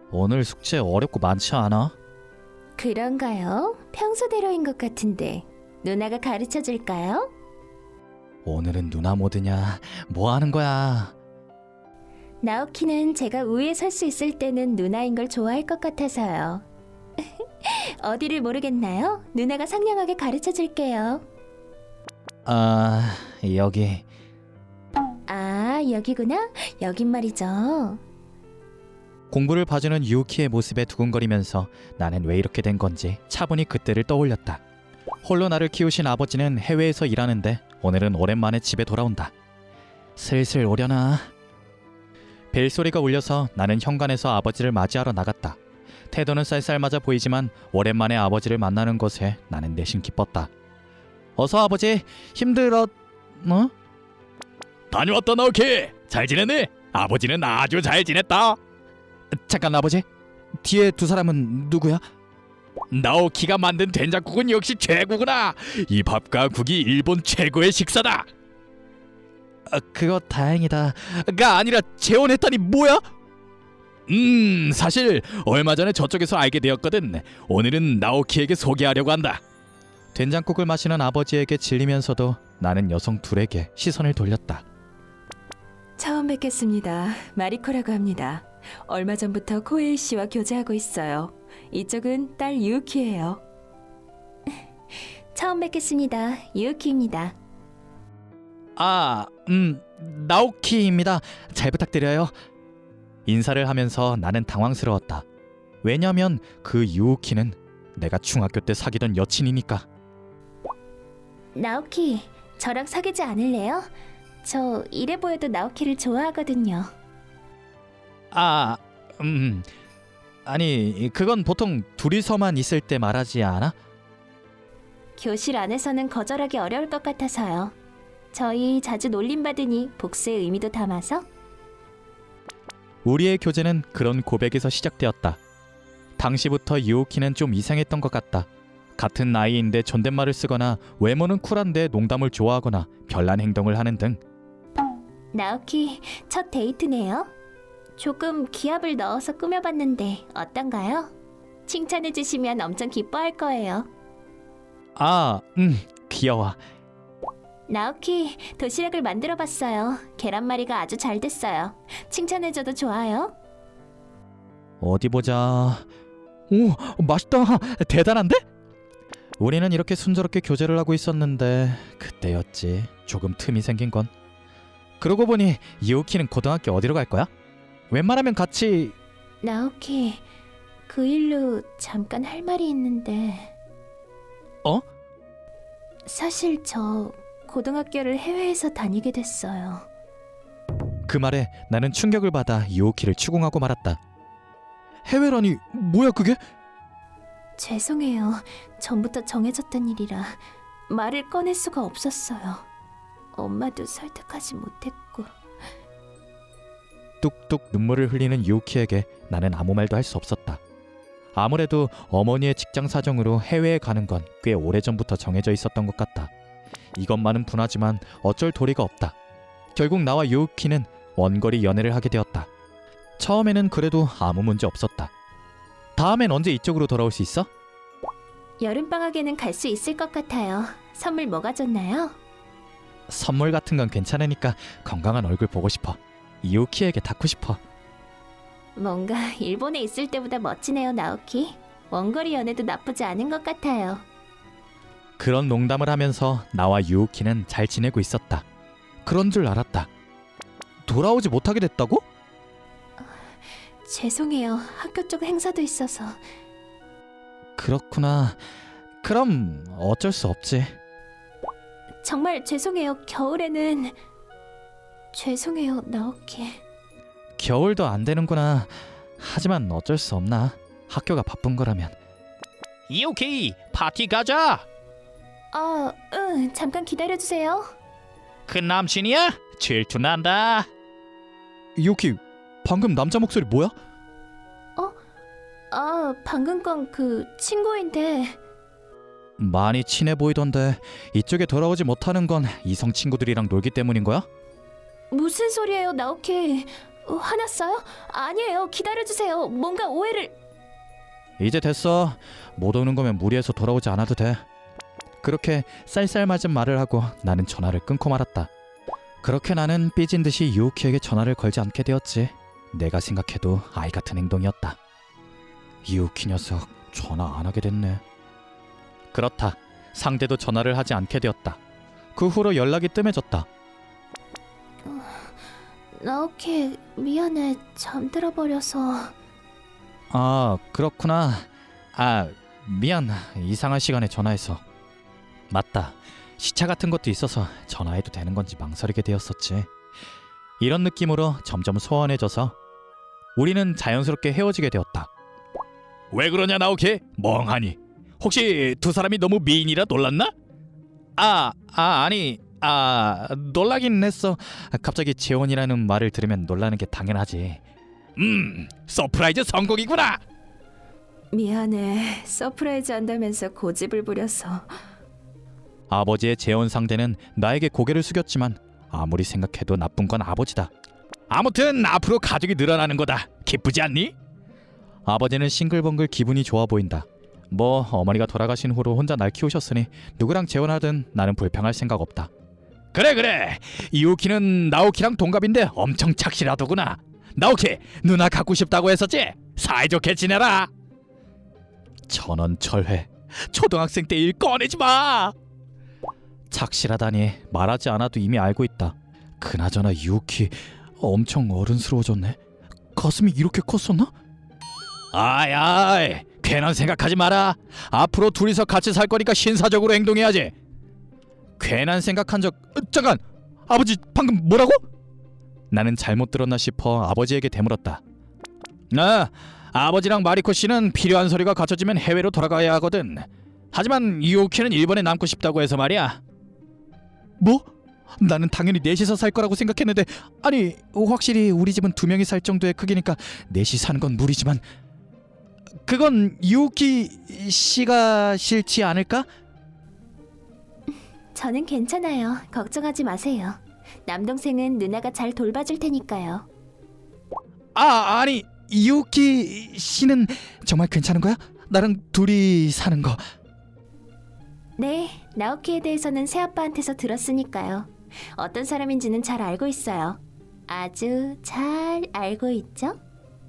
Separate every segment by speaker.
Speaker 1: 오늘 숙제 어렵고 많지 않아?
Speaker 2: 그런가요? 평소대로인 것 같은데 누나가 가르쳐 줄까요?
Speaker 1: 오늘은 누나 모드냐? 뭐 하는 거야?
Speaker 2: 나오키는 제가 우위에 설 수 있을 때는 누나인 걸 좋아할 것 같아서요. 어디를 모르겠나요? 누나가 상냥하게 가르쳐 줄게요.
Speaker 1: 아, 여기.
Speaker 2: 아, 여기구나. 여긴 말이죠.
Speaker 1: 공부를 봐주는 유키의 모습에 두근거리면서 나는 왜 이렇게 된 건지 차분히 그때를 떠올렸다. 홀로 나를 키우신 아버지는 해외에서 일하는데 오늘은 오랜만에 집에 돌아온다. 슬슬 오려나? 벨소리가 울려서 나는 현관에서 아버지를 맞이하러 나갔다. 태도는 쌀쌀맞아 보이지만 오랜만에 아버지를 만나는 것에 나는 내심 기뻤다. 어서 아버지, 힘들었... 어?
Speaker 3: 다녀왔다 나오키. 잘 지냈니? 아버지는 아주 잘 지냈다.
Speaker 1: 잠깐 아버지, 뒤에 두 사람은 누구야?
Speaker 3: 나오키가 만든 된장국은 역시 최고구나. 이 밥과 국이 일본 최고의 식사다.
Speaker 1: 그거 다행이다. 가 아니라 재혼했다니 뭐야?
Speaker 3: 사실 얼마 전에 저쪽에서 알게 되었거든. 오늘은 나오키에게 소개하려고 한다.
Speaker 1: 된장국을 마시는 아버지에게 질리면서도 나는 여성 둘에게 시선을 돌렸다.
Speaker 4: 처음 뵙겠습니다. 마리코라고 합니다. 얼마 전부터 코에이 씨와 교제하고 있어요. 이쪽은 딸 유키예요.
Speaker 2: 처음 뵙겠습니다. 유키입니다.
Speaker 1: 아, 나오키입니다. 잘 부탁드려요. 인사를 하면서 나는 당황스러웠다. 왜냐면 그 유키는 내가 중학교 때 사귀던 여친이니까.
Speaker 2: 나오키, 저랑 사귀지 않을래요? 저 이래 보여도 나오키를 좋아하거든요.
Speaker 1: 아니, 그건 보통 둘이서만 있을 때 말하지 않아?
Speaker 2: 교실 안에서는 거절하기 어려울 것 같아서요. 저희 자주 놀림받으니 복수의 의미도 담아서.
Speaker 1: 우리의 교제는 그런 고백에서 시작되었다. 당시부터 유키는 좀 이상했던 것 같다. 같은 나이인데 존댓말을 쓰거나 외모는 쿨한데 농담을 좋아하거나 별난 행동을 하는 등.
Speaker 2: 나오키, 첫 데이트네요. 조금 기합을 넣어서 꾸며봤는데 어떤가요? 칭찬해주시면 엄청 기뻐할 거예요.
Speaker 1: 귀여워.
Speaker 2: 나오키, 도시락을 만들어봤어요. 계란말이가 아주 잘 됐어요. 칭찬해줘도 좋아요.
Speaker 1: 어디 보자. 오, 맛있다. 대단한데? 우리는 이렇게 순조롭게 교제를 하고 있었는데 그때였지 조금 틈이 생긴 건. 그러고 보니 유키는 고등학교 어디로 갈 거야? 웬만하면 같이...
Speaker 2: 나오키, 그 일로 잠깐 할 말이 있는데...
Speaker 1: 어?
Speaker 2: 사실 저 고등학교를 해외에서 다니게 됐어요.
Speaker 1: 그 말에 나는 충격을 받아 유키를 추궁하고 말았다. 해외라니 뭐야 그게?
Speaker 2: 죄송해요. 전부터 정해졌던 일이라 말을 꺼낼 수가 없었어요. 엄마도 설득하지 못했고.
Speaker 1: 뚝뚝 눈물을 흘리는 유키에게 나는 아무 말도 할 수 없었다. 아무래도 어머니의 직장 사정으로 해외에 가는 건 꽤 오래전부터 정해져 있었던 것 같다. 이것만은 분하지만 어쩔 도리가 없다. 결국 나와 유키는 원거리 연애를 하게 되었다. 처음에는 그래도 아무 문제 없었다. 다음엔 언제 이쪽으로 돌아올 수 있어?
Speaker 2: 여름방학에는 갈 수 있을 것 같아요. 선물 뭐가 좋나요?
Speaker 1: 선물 같은 건 괜찮으니까 건강한 얼굴 보고 싶어. 유키에게 닿고 싶어.
Speaker 2: 뭔가 일본에 있을 때보다 멋지네요, 나오키. 원거리 연애도 나쁘지 않은 것 같아요.
Speaker 1: 그런 농담을 하면서 나와 유키는 잘 지내고 있었다. 그런 줄 알았다. 돌아오지 못하게 됐다고?
Speaker 2: 죄송해요. 학교 쪽 행사도 있어서.
Speaker 1: 그렇구나. 그럼 어쩔 수 없지.
Speaker 2: 정말 죄송해요. 겨울에는... 죄송해요, 나오키.
Speaker 1: 겨울도 안 되는구나. 하지만 어쩔 수 없나. 학교가 바쁜 거라면.
Speaker 3: 유키, 파티 가자.
Speaker 2: 잠깐 기다려주세요.
Speaker 3: 그 남친이야? 질투난다.
Speaker 1: 유키, 방금 남자 목소리 뭐야?
Speaker 2: 방금 건 그 친구인데...
Speaker 1: 많이 친해 보이던데 이쪽에 돌아오지 못하는 건 이성 친구들이랑 놀기 때문인 거야?
Speaker 2: 무슨 소리예요, 나오키. 화났어요? 아니에요. 기다려주세요. 뭔가 오해를...
Speaker 1: 이제 됐어. 못 오는 거면 무리해서 돌아오지 않아도 돼. 그렇게 쌀쌀맞은 말을 하고 나는 전화를 끊고 말았다. 그렇게 나는 삐진 듯이 유우키에게 전화를 걸지 않게 되었지. 내가 생각해도 아이 같은 행동이었다. 유우키 녀석 전화 안 하게 됐네. 그렇다. 상대도 전화를 하지 않게 되었다. 그 후로 연락이 뜸해졌다.
Speaker 2: 나오키, 미안해. 잠들어 버려서...
Speaker 1: 아, 그렇구나. 아, 미안. 이상한 시간에 전화해서. 맞다. 시차 같은 것도 있어서 전화해도 되는 건지 망설이게 되었었지. 이런 느낌으로 점점 소원해져서 우리는 자연스럽게 헤어지게 되었다.
Speaker 3: 왜 그러냐 나오키? 멍하니. 혹시 두 사람이 너무 미인이라 놀랐나?
Speaker 1: 아니, 놀라긴 했어. 갑자기 재혼이라는 말을 들으면 놀라는 게 당연하지.
Speaker 3: 서프라이즈 성공이구나.
Speaker 4: 미안해. 서프라이즈 한다면서 고집을 부려서.
Speaker 1: 아버지의 재혼 상대는 나에게 고개를 숙였지만 아무리 생각해도 나쁜 건 아버지다.
Speaker 3: 아무튼 앞으로 가족이 늘어나는 거다. 기쁘지 않니?
Speaker 1: 아버지는 싱글벙글 기분이 좋아 보인다. 뭐 어머니가 돌아가신 후로 혼자 날 키우셨으니 누구랑 재혼하든 나는 불평할 생각 없다.
Speaker 3: 그래. 유키는 나오키랑 동갑인데 엄청 착실하더구나. 나오키, 누나 갖고 싶다고 했었지? 사이좋게 지내라.
Speaker 1: 천원철회.
Speaker 3: 초등학생 때 일 꺼내지 마.
Speaker 1: 착실하다니 말하지 않아도 이미 알고 있다. 그나저나 유키 엄청 어른스러워졌네. 가슴이 이렇게 컸었나?
Speaker 3: 아이, 괜한 생각하지 마라. 앞으로 둘이서 같이 살 거니까 신사적으로 행동해야지.
Speaker 1: 괜한 생각한 적... 잠깐! 아버지 방금 뭐라고? 나는 잘못 들었나 싶어 아버지에게 되물었다.
Speaker 3: 아버지랑 마리코 씨는 필요한 서류가 갖춰지면 해외로 돌아가야 하거든. 하지만 유키는 일본에 남고 싶다고 해서 말이야.
Speaker 1: 뭐? 나는 당연히 넷이서 살 거라고 생각했는데, 아니 확실히 우리 집은 2명이 살 정도의 크기니까 넷이 사는 건 무리지만 그건 유키 씨가 싫지 않을까?
Speaker 2: 저는 괜찮아요. 걱정하지 마세요. 남동생은 누나가 잘 돌봐줄 테니까요.
Speaker 1: 아니 유키 씨는 정말 괜찮은 거야? 나랑 둘이 사는 거.
Speaker 2: 네, 나오키에 대해서는 새아빠한테서 들었으니까요. 어떤 사람인지는 잘 알고 있어요. 아주 잘 알고 있죠?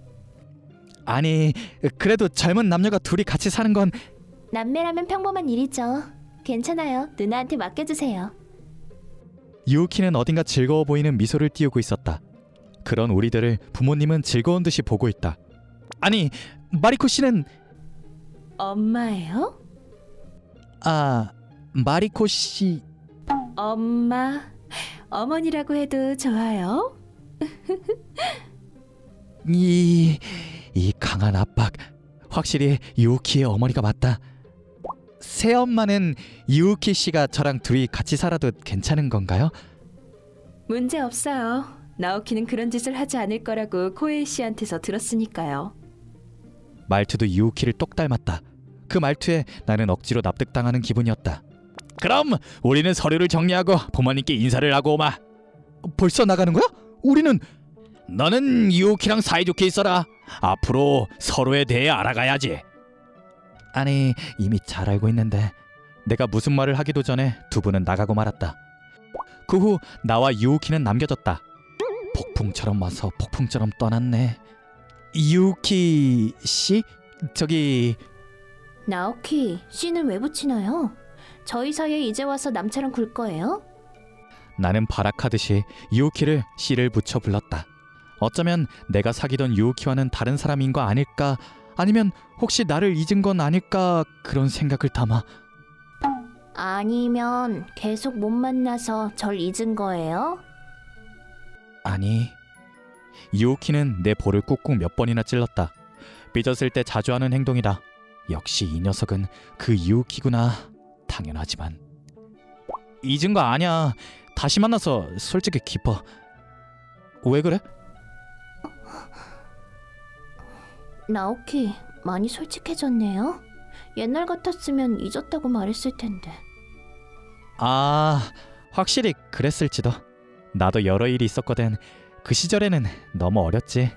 Speaker 1: 아니 그래도 젊은 남녀가 둘이 같이 사는 건...
Speaker 2: 남매라면 평범한 일이죠. 괜찮아요. 누나한테 맡겨주세요.
Speaker 1: 유키는 어딘가 즐거워 보이는 미소를 띄우고 있었다. 그런 우리들을 부모님은 즐거운 듯이 보고 있다. 아니 마리코 씨는...
Speaker 4: 엄마예요?
Speaker 1: 마리코 씨...
Speaker 4: 엄마. 어머니라고 해도 좋아요.
Speaker 1: 이 강한 압박. 확실히 유키의 어머니가 맞다. 새엄마는 유키 씨가 저랑 둘이 같이 살아도 괜찮은 건가요?
Speaker 4: 문제 없어요. 나오키는 그런 짓을 하지 않을 거라고 코에이 씨한테서 들었으니까요.
Speaker 1: 말투도 유키를 똑 닮았다. 그 말투에 나는 억지로 납득당하는 기분이었다.
Speaker 3: 그럼 우리는 서류를 정리하고 부모님께 인사를 하고 오마.
Speaker 1: 벌써 나가는 거야? 우리는...
Speaker 3: 너는 유키랑 사이좋게 있어라. 앞으로 서로에 대해 알아가야지.
Speaker 1: 아니 이미 잘 알고 있는데... 내가 무슨 말을 하기도 전에 두 분은 나가고 말았다. 그 후 나와 유키는 남겨졌다. 폭풍처럼 와서 폭풍처럼 떠났네. 유키 씨? 저기...
Speaker 2: 나오키, 씨는 왜 붙이나요? 저희 사이에 이제 와서 남처럼 굴 거예요?
Speaker 1: 나는 발악하듯이 유키를 씨를 붙여 불렀다. 어쩌면 내가 사귀던 유키와는 다른 사람인 거 아닐까, 아니면 혹시 나를 잊은 건 아닐까, 그런 생각을 담아.
Speaker 2: 아니면 계속 못 만나서 절 잊은 거예요?
Speaker 1: 아니, 유키는 내 볼을 꾹꾹 몇 번이나 찔렀다. 삐졌을 때 자주 하는 행동이다. 역시 이 녀석은 그 유키구나. 당연하지만 잊은 거 아니야. 다시 만나서 솔직히 기뻐. 왜 그래?
Speaker 2: 나오키, 많이 솔직해졌네요. 옛날 같았으면 잊었다고 말했을 텐데.
Speaker 1: 확실히 그랬을지도. 나도 여러 일이 있었거든. 그 시절에는 너무 어렸지.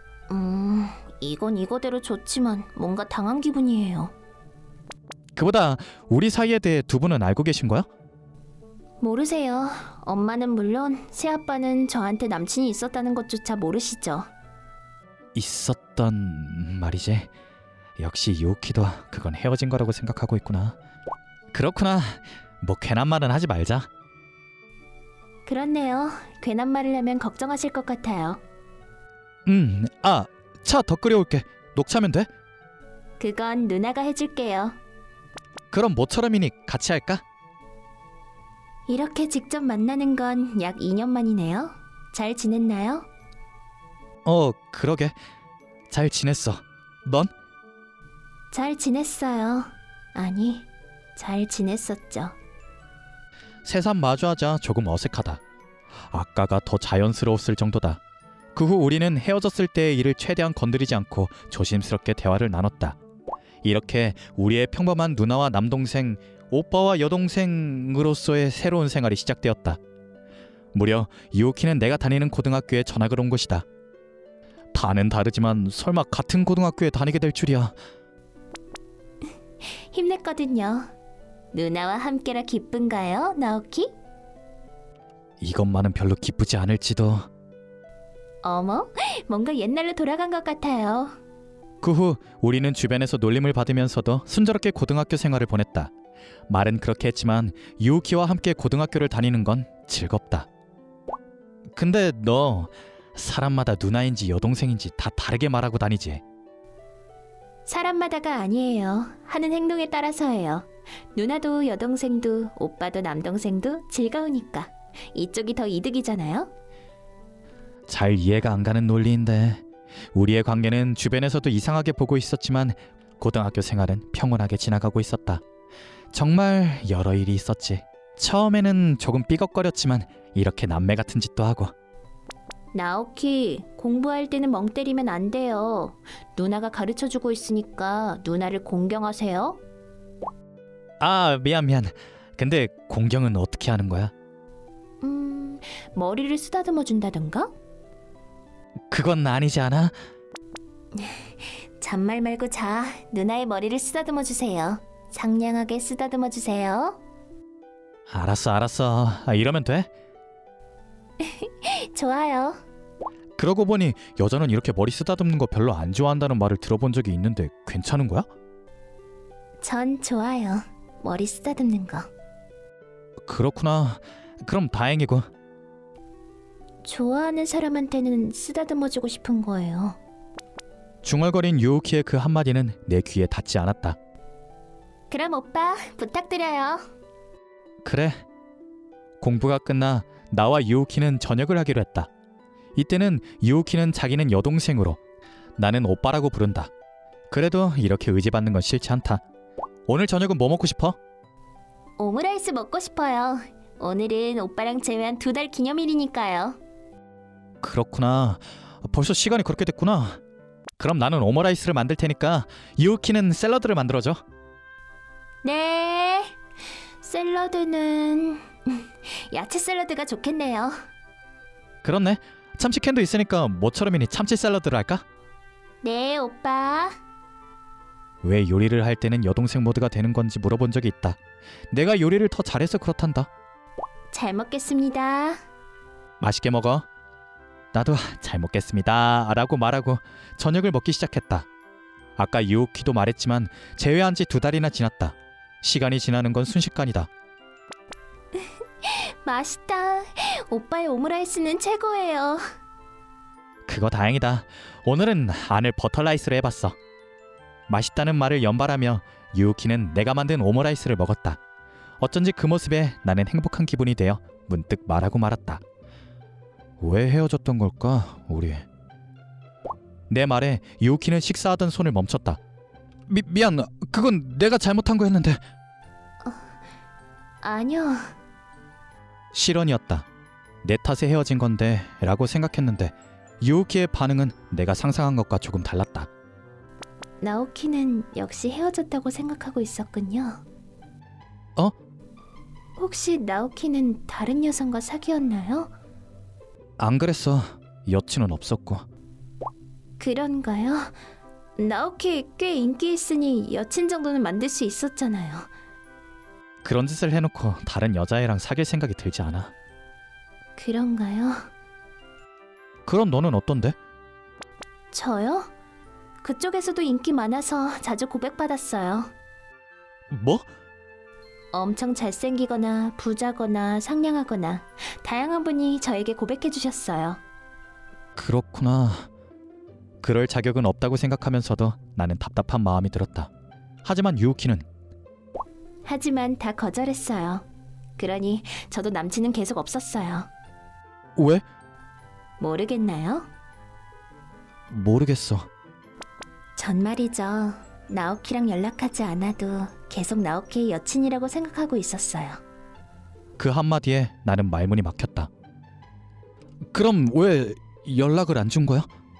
Speaker 2: 이건 이거대로 좋지만 뭔가 당한 기분이에요.
Speaker 1: 그보다 우리 사이에 대해 두 분은 알고 계신 거야?
Speaker 2: 모르세요. 엄마는 물론 새아빠는 저한테 남친이 있었다는 것조차 모르시죠.
Speaker 1: 있었던 말이지. 역시 유키도 그건 헤어진 거라고 생각하고 있구나. 그렇구나. 뭐 괜한 말은 하지 말자.
Speaker 2: 그렇네요. 괜한 말을 하면 걱정하실 것 같아요.
Speaker 1: 차 더 끓여올게. 녹차면 돼?
Speaker 2: 그건 누나가 해줄게요.
Speaker 1: 그럼 모처럼이니 같이 할까?
Speaker 2: 이렇게 직접 만나는 건 약 2년 만이네요. 잘 지냈나요?
Speaker 1: 그러게. 잘 지냈어. 넌?
Speaker 2: 잘 지냈어요. 아니, 잘 지냈었죠.
Speaker 1: 새삼 마주하자 조금 어색하다. 아까가 더 자연스러웠을 정도다. 그 후 우리는 헤어졌을 때의 일을 최대한 건드리지 않고 조심스럽게 대화를 나눴다. 이렇게 우리의 평범한 누나와 남동생, 오빠와 여동생으로서의 새로운 생활이 시작되었다. 무려 유키는 내가 다니는 고등학교에 전학을 온 것이다. 반은 다르지만 설마 같은 고등학교에 다니게 될 줄이야.
Speaker 2: 힘냈거든요. 누나와 함께라 기쁜가요, 나오키?
Speaker 1: 이것만은 별로 기쁘지 않을지도.
Speaker 2: 어머, 뭔가 옛날로 돌아간 것 같아요.
Speaker 1: 그 후 우리는 주변에서 놀림을 받으면서도 순조롭게 고등학교 생활을 보냈다. 말은 그렇게 했지만 유키와 함께 고등학교를 다니는 건 즐겁다. 근데 너 사람마다 누나인지 여동생인지 다 다르게 말하고 다니지?
Speaker 2: 사람마다가 아니에요. 하는 행동에 따라서예요. 누나도 여동생도 오빠도 남동생도 즐거우니까. 이쪽이 더 이득이잖아요.
Speaker 1: 잘 이해가 안 가는 논리인데 우리의 관계는 주변에서도 이상하게 보고 있었지만 고등학교 생활은 평온하게 지나가고 있었다. 정말 여러 일이 있었지. 처음에는 조금 삐걱거렸지만 이렇게 남매 같은 짓도 하고.
Speaker 2: 나오키, 공부할 때는 멍 때리면 안 돼요. 누나가 가르쳐주고 있으니까 누나를 공경하세요.
Speaker 1: 미안. 근데 공경은 어떻게 하는 거야?
Speaker 2: 머리를 쓰다듬어 준다던가?
Speaker 1: 그건 아니지 않아?
Speaker 2: 잔말 말고 자. 누나의 머리를 쓰다듬어 주세요. 상냥하게 쓰다듬어 주세요.
Speaker 1: 알았어. 이러면 돼?
Speaker 2: 좋아요.
Speaker 1: 그러고 보니 여자는 이렇게 머리 쓰다듬는 거 별로 안 좋아한다는 말을 들어본 적이 있는데 괜찮은 거야?
Speaker 2: 전 좋아요. 머리 쓰다듬는 거.
Speaker 1: 그렇구나. 그럼 다행이고.
Speaker 2: 좋아하는 사람한테는 쓰다듬어 주고 싶은 거예요.
Speaker 1: 중얼거린 유우키의 그 한마디는 내 귀에 닿지 않았다.
Speaker 2: 그럼 오빠 부탁드려요.
Speaker 1: 그래. 공부가 끝나 나와 유우키는 저녁을 하기로 했다. 이때는 유우키는 자기는 여동생으로, 나는 오빠라고 부른다. 그래도 이렇게 의지받는 건 싫지 않다. 오늘 저녁은 뭐 먹고 싶어?
Speaker 2: 오므라이스 먹고 싶어요. 오늘은 오빠랑 제외한 2달 기념일이니까요.
Speaker 1: 그렇구나. 벌써 시간이 그렇게 됐구나. 그럼 나는 오므라이스를 만들 테니까 유우키는 샐러드를 만들어줘.
Speaker 2: 네. 샐러드는 야채 샐러드가 좋겠네요.
Speaker 1: 그렇네. 참치캔도 있으니까 모처럼이니 참치 샐러드를 할까?
Speaker 2: 네, 오빠.
Speaker 1: 왜 요리를 할 때는 여동생 모드가 되는 건지 물어본 적이 있다. 내가 요리를 더 잘해서 그렇단다.
Speaker 2: 잘 먹겠습니다.
Speaker 1: 맛있게 먹어. 나도 잘 먹겠습니다 라고 말하고 저녁을 먹기 시작했다. 아까 유우키도 말했지만 제외한 지 2달이나 지났다. 시간이 지나는 건 순식간이다.
Speaker 2: 맛있다. 오빠의 오므라이스는 최고예요.
Speaker 1: 그거 다행이다. 오늘은 안을 버터라이스로 해봤어. 맛있다는 말을 연발하며 유우키는 내가 만든 오므라이스를 먹었다. 어쩐지 그 모습에 나는 행복한 기분이 되어 문득 말하고 말았다. 왜 헤어졌던 걸까, 우리? 내 말에 유우키는 식사하던 손을 멈췄다. 미안, 그건 내가 잘못한 거였는데.
Speaker 2: 아니요.
Speaker 1: 실언이었다. 내 탓에 헤어진 건데 라고 생각했는데 유우키의 반응은 내가 상상한 것과 조금 달랐다.
Speaker 2: 나오키는 역시 헤어졌다고 생각하고 있었군요.
Speaker 1: 어?
Speaker 2: 혹시 나오키는 다른 여성과 사귀었나요?
Speaker 1: 안 그랬어. 여친은 없었고.
Speaker 2: 그런가요? 나오키 꽤 인기 있으니 여친 정도는 만들 수 있었잖아요.
Speaker 1: 그런 짓을 해놓고 다른 여자애랑 사귈 생각이 들지 않아.
Speaker 2: 그런가요?
Speaker 1: 그럼 너는 어떤데?
Speaker 2: 저요? 그쪽에서도 인기 많아서 자주 고백받았어요.
Speaker 1: 뭐?
Speaker 2: 엄청 잘생기거나 부자거나 상냥하거나 다양한 분이 저에게 고백해 주셨어요.
Speaker 1: 그렇구나. 그럴 자격은 없다고 생각하면서도 나는 답답한 마음이 들었다. 하지만 유우키는
Speaker 2: 하지만 다 거절했어요. 그러니 저도 남친은 계속 없었어요.
Speaker 1: 왜?
Speaker 2: 모르겠나요?
Speaker 1: 모르겠어.
Speaker 2: 전 말이죠. 나오키랑 연락하지 않아도 계속 나오키의 여친이라고 생각하고 있었어요.
Speaker 1: 그 한마디에 나는 말문이 막혔다. 그럼 왜 연락을 안 준 거야?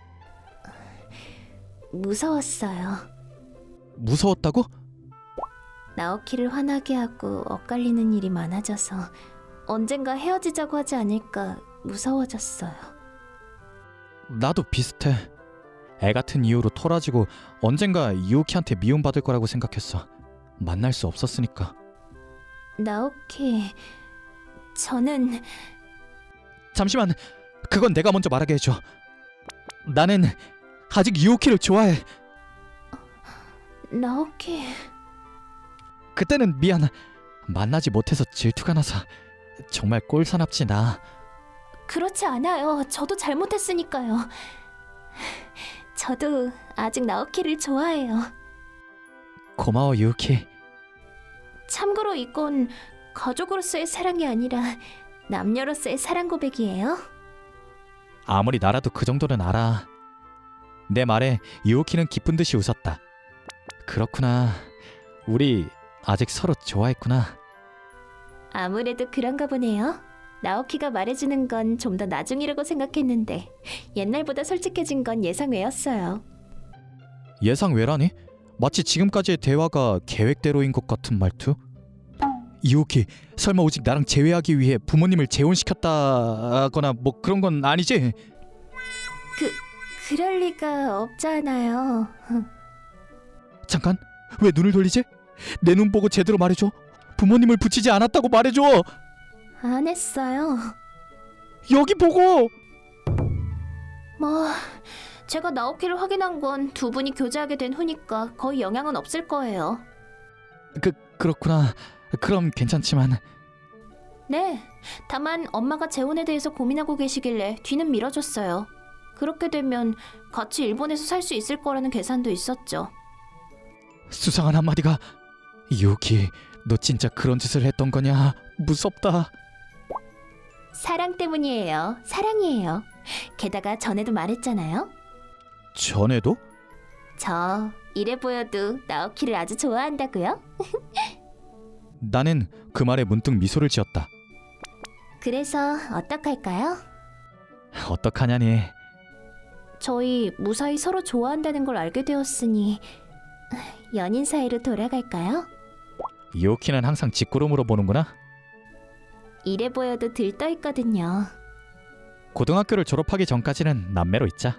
Speaker 2: 무서웠어요.
Speaker 1: 무서웠다고?
Speaker 2: 나오키를 화나게 하고 엇갈리는 일이 많아져서 언젠가 헤어지자고 하지 않을까 무서워졌어요.
Speaker 1: 나도 비슷해. 애 같은 이유로 토라지고 언젠가 유우키한테 미움받을 거라고 생각했어. 만날 수 없었으니까.
Speaker 2: 나오키, 저는
Speaker 1: 잠시만, 그건 내가 먼저 말하게 해줘. 나는 아직 유우키를 좋아해.
Speaker 2: 나오키,
Speaker 1: 그때는 미안. 만나지 못해서 질투가 나서. 정말 꼴사납지 나.
Speaker 2: 그렇지 않아요. 저도 잘못했으니까요. 저도 아직 나오키를 좋아해요.
Speaker 1: 고마워 유우키.
Speaker 2: 참고로 이건 가족으로서의 사랑이 아니라 남녀로서의 사랑 고백이에요.
Speaker 1: 아무리 나라도 그 정도는 알아. 내 말에 유우키는 기쁜 듯이 웃었다. 그렇구나. 우리 아직 서로 좋아했구나.
Speaker 2: 아무래도 그런가 보네요. 나오키가 말해주는 건 좀 더 나중이라고 생각했는데 옛날보다 솔직해진 건 예상 외였어요.
Speaker 1: 예상 외라니? 마치 지금까지의 대화가 계획대로인 것 같은 말투? 유우키, 설마 오직 나랑 재회하기 위해 부모님을 재혼시켰다거나 뭐 그런 건 아니지?
Speaker 2: 그럴 리가 없잖아요.
Speaker 1: 잠깐, 왜 눈을 돌리지? 내 눈 보고 제대로 말해줘. 부모님을 붙이지 않았다고 말해줘.
Speaker 2: 안 했어요.
Speaker 1: 여기 보고.
Speaker 2: 뭐 제가 나오키를 확인한 건 두 분이 교제하게 된 후니까 거의 영향은 없을 거예요.
Speaker 1: 그렇구나. 그럼 괜찮지만.
Speaker 2: 네, 다만 엄마가 재혼에 대해서 고민하고 계시길래 뒤는 밀어줬어요. 그렇게 되면 같이 일본에서 살 수 있을 거라는 계산도 있었죠.
Speaker 1: 수상한 한마디가. 유우키, 너 진짜 그런 짓을 했던 거냐? 무섭다.
Speaker 2: 사랑 때문이에요. 사랑이에요. 게다가 전에도 말했잖아요.
Speaker 1: 전에도?
Speaker 2: 저 이래 보여도 나오키를 아주 좋아한다고요?
Speaker 1: 나는 그 말에 문득 미소를 지었다.
Speaker 2: 그래서 어떡할까요?
Speaker 1: 어떡하냐니.
Speaker 2: 저희 무사히 서로 좋아한다는 걸 알게 되었으니 연인 사이로 돌아갈까요?
Speaker 1: 유우키는 항상 뒷구름으로 보는구나.
Speaker 2: 이래 보여도 들떠 있거든요.
Speaker 1: 고등학교를 졸업하기 전까지는 남매로 있자.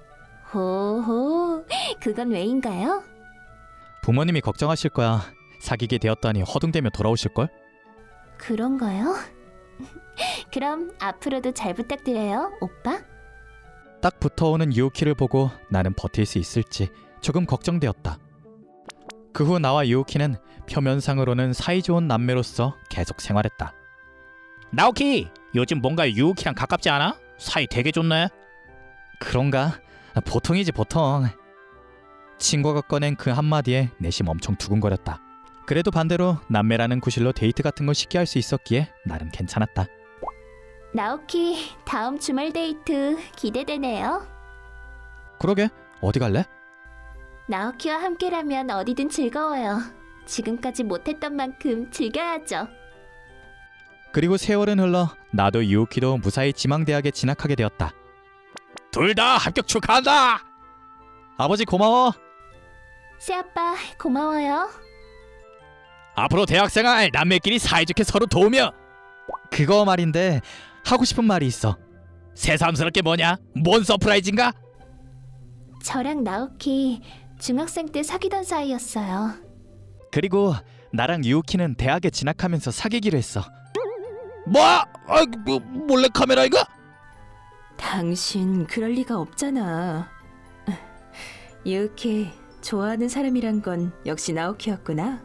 Speaker 2: 호호, 그건 왜인가요?
Speaker 1: 부모님이 걱정하실 거야. 사귀게 되었다니 허둥대며 돌아오실걸?
Speaker 2: 그런가요? 그럼 앞으로도 잘 부탁드려요, 오빠.
Speaker 1: 딱 붙어오는 유우키를 보고 나는 버틸 수 있을지 조금 걱정되었다. 그 후 나와 유우키는 표면상으로는 사이좋은 남매로서 계속 생활했다.
Speaker 3: 나오키, 요즘 뭔가 유우키랑 가깝지 않아? 사이 되게 좋네.
Speaker 1: 그런가? 보통이지 보통. 친구가 꺼낸 그 한마디에 내심 엄청 두근거렸다. 그래도 반대로 남매라는 구실로 데이트 같은 걸 쉽게 할 수 있었기에 나름 괜찮았다.
Speaker 2: 나오키, 다음 주말 데이트 기대되네요.
Speaker 1: 그러게, 어디 갈래?
Speaker 2: 나오키와 함께라면 어디든 즐거워요. 지금까지 못했던 만큼 즐겨야죠.
Speaker 1: 그리고 세월은 흘러 나도 유우키도 무사히 지망대학에 진학하게 되었다.
Speaker 3: 둘 다 합격 축하한다.
Speaker 1: 아버지 고마워.
Speaker 2: 새아빠 고마워요.
Speaker 3: 앞으로 대학생활 남매끼리 사이좋게 서로 도우며.
Speaker 1: 그거 말인데 하고 싶은 말이 있어.
Speaker 3: 새삼스럽게 뭐냐? 뭔 서프라이즈인가?
Speaker 2: 저랑 나오키 중학생 때 사귀던 사이였어요.
Speaker 1: 그리고 나랑 유우키는 대학에 진학하면서 사귀기로 했어.
Speaker 3: 뭐? 몰래 카메라인가?
Speaker 4: 당신 그럴 리가 없잖아. 유키, 좋아하는 사람이란 건 역시 나오키였구나.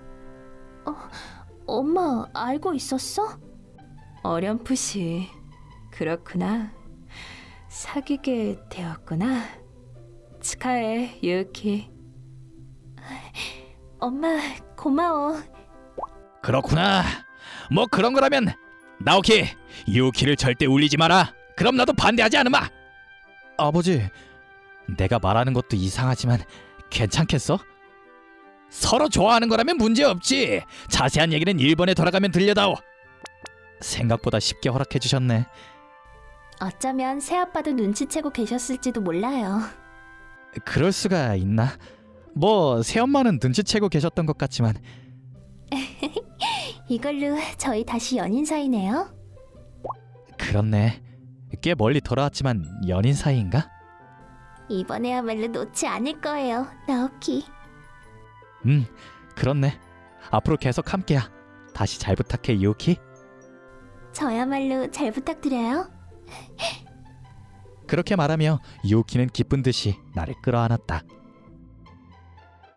Speaker 2: 엄마 알고 있었어?
Speaker 4: 어렴풋이. 그렇구나. 사귀게 되었구나. 축하해, 유키.
Speaker 2: 엄마 고마워.
Speaker 3: 그렇구나. 뭐 그런 거라면 나오키, 유키를 절대 울리지 마라. 그럼 나도 반대하지 않으마.
Speaker 1: 아버지, 내가 말하는 것도 이상하지만 괜찮겠어?
Speaker 3: 서로 좋아하는 거라면 문제 없지. 자세한 얘기는 일본에 돌아가면 들려다오.
Speaker 1: 생각보다 쉽게 허락해 주셨네.
Speaker 2: 어쩌면 새아빠도 눈치채고 계셨을지도 몰라요.
Speaker 1: 그럴 수가 있나? 뭐 새엄마는 눈치채고 계셨던 것 같지만
Speaker 2: 이걸로 저희 다시 연인 사이네요.
Speaker 1: 그렇네. 꽤 멀리 돌아왔지만 연인 사이인가?
Speaker 2: 이번에야말로 놓지 않을 거예요, 나오키.
Speaker 1: 그렇네. 앞으로 계속 함께야. 다시 잘 부탁해, 유우키.
Speaker 2: 저야말로 잘 부탁드려요.
Speaker 1: 그렇게 말하며 유우키는 기쁜 듯이 나를 끌어안았다.